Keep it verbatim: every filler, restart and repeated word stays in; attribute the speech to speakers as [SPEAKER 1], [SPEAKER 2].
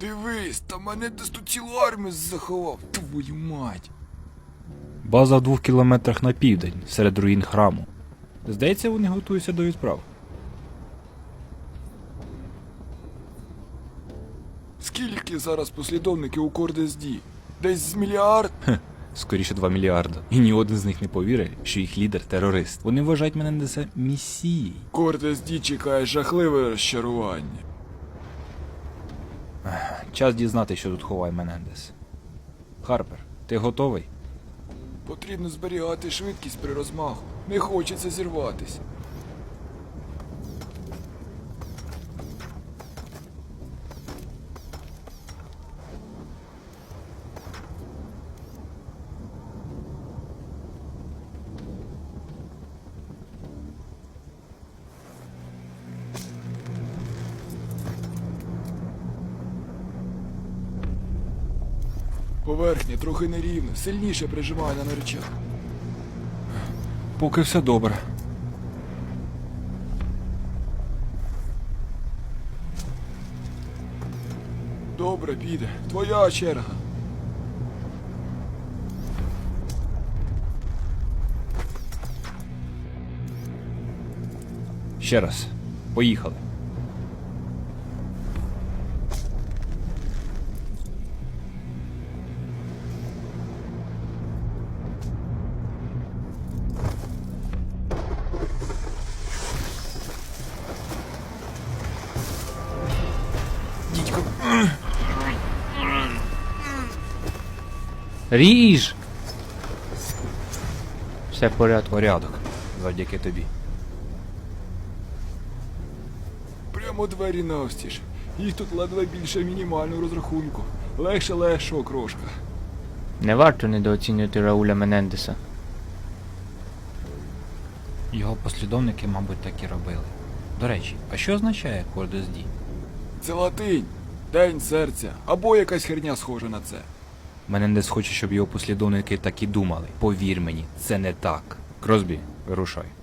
[SPEAKER 1] Дивись, та мене десь тут цілу армію заховав, твою мать.
[SPEAKER 2] База в двох кілометрах на південь, серед руїн храму. Здається, вони готуються до відправ.
[SPEAKER 1] Скільки зараз послідовників у Кордезді? Десь з мільярд?
[SPEAKER 2] Хе, скоріше два мільярда. І ні один з них не повірить, що їх лідер – терорист. Вони вважають Менендеса месією.
[SPEAKER 1] Кордезді чекає жахливе розчарування.
[SPEAKER 2] Час дізнати, що тут ховає Менендес. Харпер, ти готовий?
[SPEAKER 1] Потрібно зберігати швидкість при розмаху. Не хочеться зірватися. Поверхня трохи нерівна, сильніше прижимає на речах.
[SPEAKER 2] Поки все добре.
[SPEAKER 1] Добре, піде. Твоя черга.
[SPEAKER 2] Ще раз. Поїхали.
[SPEAKER 1] Дідько.
[SPEAKER 3] Ріж! Все в порядку.
[SPEAKER 2] Порядок. Завдяки тобі.
[SPEAKER 1] Прямо двері навстіж. Їх тут ледве більше мінімального розрахунку. Легше легшого крошка.
[SPEAKER 3] Не варто недооцінювати Рауля Менендеса.
[SPEAKER 2] Його послідовники, мабуть, так і робили. До речі, а що означає Кордезді?
[SPEAKER 1] Це латинь. День серця. Або якась херня схожа на це.
[SPEAKER 2] Менендес хоче, щоб його послідовники так і думали. Повір мені, це не так. Кросбі, вирушай.